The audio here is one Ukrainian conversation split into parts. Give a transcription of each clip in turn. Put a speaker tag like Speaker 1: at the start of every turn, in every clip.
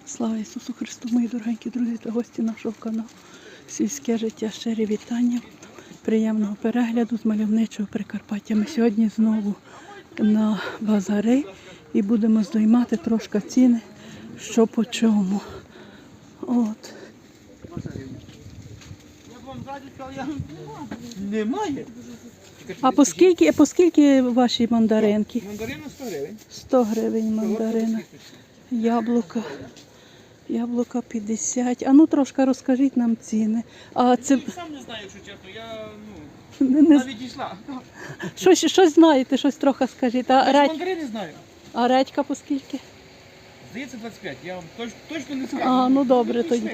Speaker 1: Слава Ісусу Христу, мої дорогенькі друзі та гості нашого каналу «Сільське життя». Щирі вітання, приємного перегляду з мальовничого Прикарпаття. Ми сьогодні знову на базари і будемо здоймати трошки ціни, що по чому. От.
Speaker 2: Немає.
Speaker 1: А по скільки ваші мандаринки?
Speaker 2: Мандарина 100 гривень.
Speaker 1: 100 гривень мандарина. Яблука 50. А ну трошки розкажіть нам ціни. А це...
Speaker 2: Я сам не знаю, якщо чесно. Я
Speaker 1: Не...
Speaker 2: навіть йшла.
Speaker 1: Щось знаєте, щось трохи скажіть.
Speaker 2: Мандарини знаю.
Speaker 1: А редька по скільки?
Speaker 2: Здається 25. Я вам точно не скажу.
Speaker 1: А, ну добре тоді.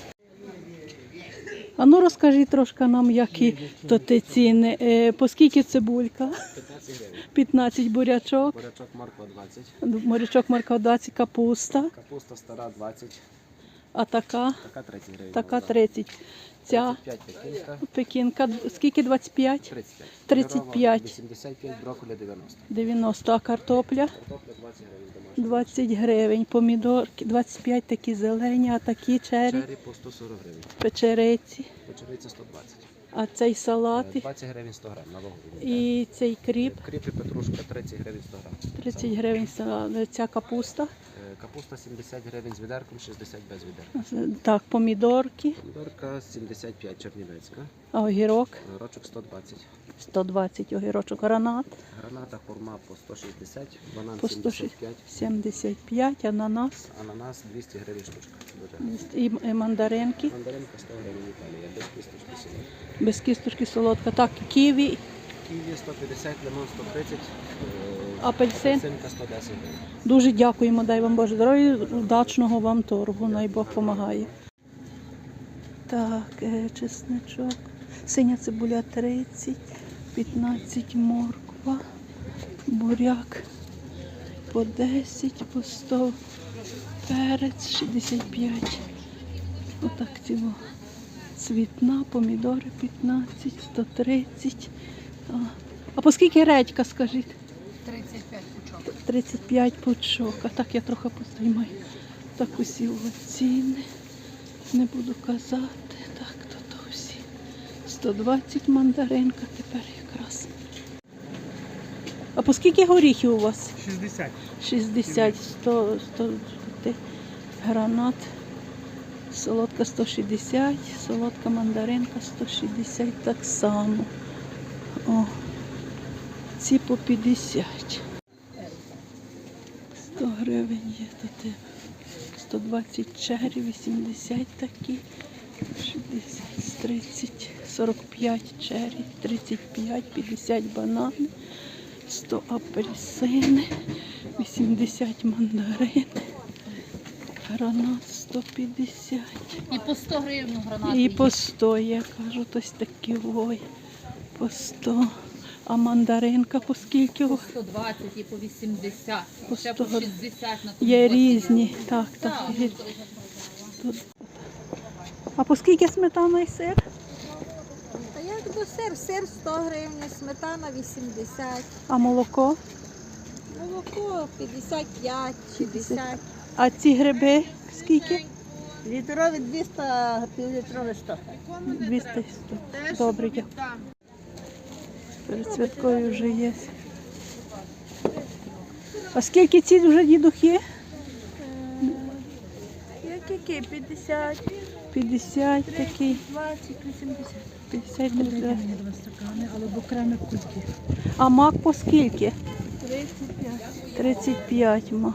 Speaker 1: А ну розкажіть трошки нам, які то ті ціни. По скільки цибулька?
Speaker 2: 15 гривень.
Speaker 1: 15 бурячок.
Speaker 2: Бурячок морква 20.
Speaker 1: Бурячок морква 20, капуста.
Speaker 2: Капуста стара 20.
Speaker 1: А така?
Speaker 2: Така 30 гривень.
Speaker 1: Така 30. Ця
Speaker 2: 35 пекінка.
Speaker 1: пекінка, скільки 25?
Speaker 2: 35.
Speaker 1: 35.
Speaker 2: 85, брокколи 90.
Speaker 1: 90. А картопля?
Speaker 2: Картопля 20 гривень домашня.
Speaker 1: 20 гривень. Помідорки 25, такі зелені, а такі чері?
Speaker 2: Чері по 140 гривень.
Speaker 1: Печериці.
Speaker 2: Печериця 120.
Speaker 1: А цей салат?
Speaker 2: 20 гривень 100 грам на вагу.
Speaker 1: І цей кріп?
Speaker 2: Кріп і петрушка 30 гривень 100 грам.
Speaker 1: 30 гривень салат. Ця капуста?
Speaker 2: Капуста 70 гривень з відерком, 60 без відерка.
Speaker 1: Так, помідорки.
Speaker 2: Помідорка 75 чернівецька.
Speaker 1: А огірок?
Speaker 2: Огірочок 120.
Speaker 1: 120 огірочок. Гранат?
Speaker 2: Граната хурма по 160, банан
Speaker 1: По
Speaker 2: 75.
Speaker 1: 75, ананас.
Speaker 2: Ананас 200 гривень штучка. Дуже.
Speaker 1: І мандаринки.
Speaker 2: Мандаринка 100 гривень Італія, без кісточки солодка.
Speaker 1: Без кісточки солодка. Так, ківі,
Speaker 2: Ківі 150, лимон 130,
Speaker 1: апельсин.
Speaker 2: апельсинка 110 гривень.
Speaker 1: Дуже дякуємо, дай вам Боже здоров'я, удачного вам торгу, най Бог допомагає. Так, чесничок, синя цибуля 30, 15 морква, буряк по 10, по 100, перець 65. Отак ціло. Цвітна, помідори 15, 130. А по скільки редька, скажіть?
Speaker 3: 35 пучок.
Speaker 1: 35 пучок. А так я трохи постіймаю. Так усі ціни. Не буду казати. Так, то всі. 120 мандаринка тепер якраз. А по скільки горіхів у вас?
Speaker 2: 60.
Speaker 1: 60, 100 гранат. Солодка 160, солодка мандаринка 160 так само. О, ці по 50. 100 гривень є тут. 120 чері, 80 такі, 60, 30, 45 чері, 35, 50 банани, 100 апельсини, 80 мандарини. Гранат 150.
Speaker 3: І по 100 гривень гранати.
Speaker 1: І по 100, я кажу, ось такі вой. По 100. А мандаринка по скільки?
Speaker 3: По 120 і по 80.
Speaker 1: По
Speaker 3: Ще
Speaker 1: 100.
Speaker 3: по 60 на
Speaker 1: Є
Speaker 3: тому
Speaker 1: різні. Так, так.
Speaker 3: Так,
Speaker 1: Є. А по скільки сметана і сир?
Speaker 4: Та як до сир 100 гривень, сметана 80,
Speaker 1: А молоко?
Speaker 4: молоко 55, 60.
Speaker 1: А ці гриби скільки?
Speaker 4: Літрові 200, півлітрові 100.
Speaker 1: 200 100. Добре, дякую. Перед святкою вже є. А скільки ці вже дідухи?
Speaker 4: Які? 50,
Speaker 1: 50 такий.
Speaker 4: 20, 80.
Speaker 1: 50 30.
Speaker 4: Два стакани, але в окремі кульки.
Speaker 1: А мак по скільки?
Speaker 4: 35.
Speaker 1: 35 мак.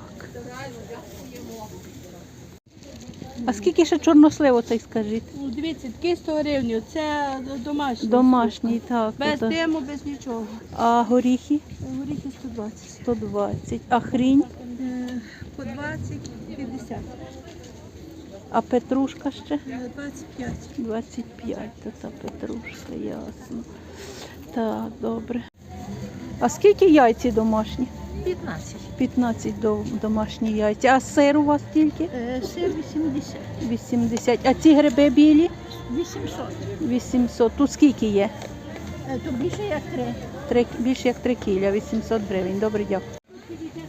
Speaker 1: А скільки ще чорнослив оцей, скажіть?
Speaker 4: Дивіться, такий 100 гривень, це домашній.
Speaker 1: Домашній, так.
Speaker 4: Без
Speaker 1: ото.
Speaker 4: диму, без нічого.
Speaker 1: А горіхи?
Speaker 4: Горіхи 120.
Speaker 1: 120. А хрінь?
Speaker 4: По 20, 50.
Speaker 1: А петрушка ще?
Speaker 4: 25.
Speaker 1: 25. То та петрушка, ясно. Так, добре. А скільки яйці домашні?
Speaker 4: 15.
Speaker 1: 15 домашні яйця. А сир у вас тільки?
Speaker 4: Сир 80.
Speaker 1: 80. А ці гриби білі?
Speaker 4: 800.
Speaker 1: 800. Тут скільки є?
Speaker 4: То більше як 3.
Speaker 1: Більше як 3 кіля, 800 гривень. Добре, дякую.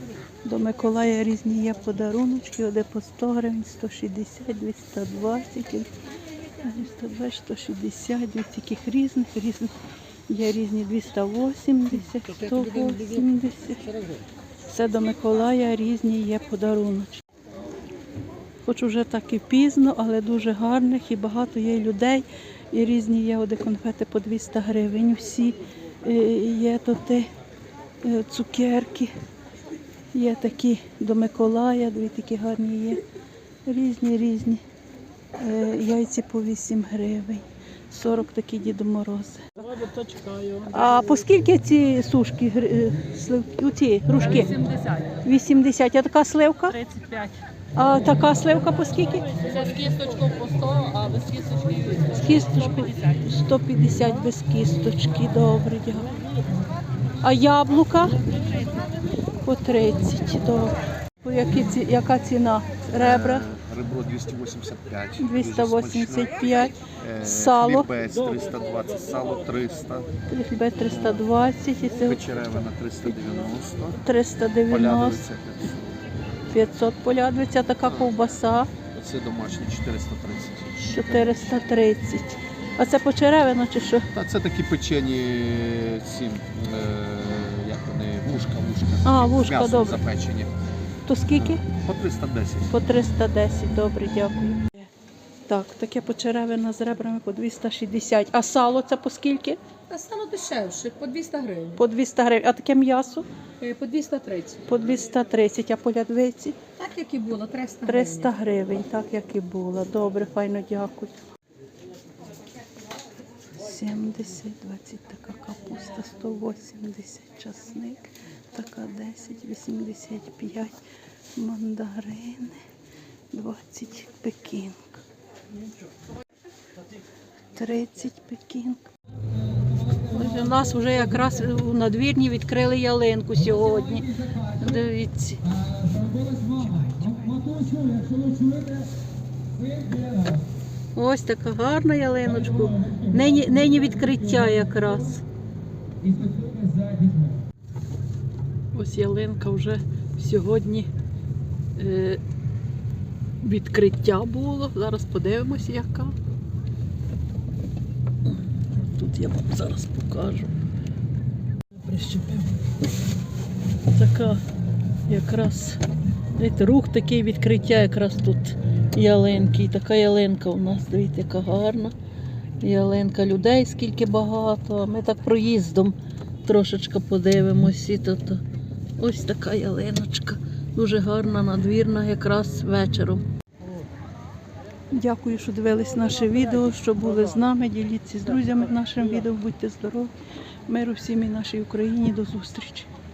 Speaker 1: До Миколая різні є подаруночки, оде по 100 гривень, 160, 220, 220, 160, дві таких різних. Є різні 280, 180. Це до Миколая різні є подаруночки. Хоч уже так і пізно, але дуже гарних і багато є людей. І різні є оде конфети по 200 гривень. Всі є тут цукерки. Є такі до Миколая, дві такі гарні є. Різні. Яйці по 8 гривень. 40 такі Діду Морози. А по скільки ці сушки, ці грушки?
Speaker 3: 80.
Speaker 1: 80. А така сливка?
Speaker 3: 35.
Speaker 1: А така сливка по скільки?
Speaker 3: Це з кісточкою по 100, а без кісточки
Speaker 1: З кісточкою 150 без кісточки. Добре, дякую. А яблука? По 30. Добре. Яка ціна? Ребра?
Speaker 5: Ребро 285.
Speaker 1: 285. Сало?
Speaker 5: Хлібець 320, сало 300.
Speaker 1: Хлібець 320. І це
Speaker 5: Печеревина 390.
Speaker 1: 390.
Speaker 5: Полядовиця 500.
Speaker 1: 500 полядвиця. Така ковбаса?
Speaker 5: Оце домашні 430.
Speaker 1: 430. А це почеревина чи що?
Speaker 5: Та це такі печені ці, як вони, вушка.
Speaker 1: А,
Speaker 5: З
Speaker 1: вушка,
Speaker 5: м'ясом
Speaker 1: добре.
Speaker 5: запечені.
Speaker 1: То скільки?
Speaker 5: По 310.
Speaker 1: По 310, добре, дякую. Так, таке почеревина з ребрами по 260. А сало це по скільки?
Speaker 6: Та стало дешевше, по 200 гривень,
Speaker 1: По 200 гривень. А таке м'ясо?
Speaker 6: по 230.
Speaker 1: По 230. А полядвиці?
Speaker 6: Так, як і було, 300
Speaker 1: 300
Speaker 6: гривень.
Speaker 1: гривень, так як і було. Добре, файно, дякую. 70, 20 така капуста, 180 часник, така 10, 85 мандарини, 20 пекінг, 30 пекінг. Ось у нас вже якраз у надвірні відкрили ялинку сьогодні. Дивіться. Ось така гарна ялиночка. Нині відкриття якраз. Ось ялинка вже сьогодні відкриття було. Зараз подивимося, яка. Тут я вам зараз покажу. Прищепив. Така якраз, знаєте, рух такий відкриття якраз тут ялинки. І така ялинка у нас, дивіться, яка гарна ялинка. Людей скільки багато. А ми так проїздом трошечки подивимось. І тут ось така ялиночка. Дуже гарна, надвірна, якраз вечором. Дякую, що дивились наше відео, що були з нами. Діліться з друзями нашим відео. Будьте здорові. Миру всім і нашій Україні. До зустрічі.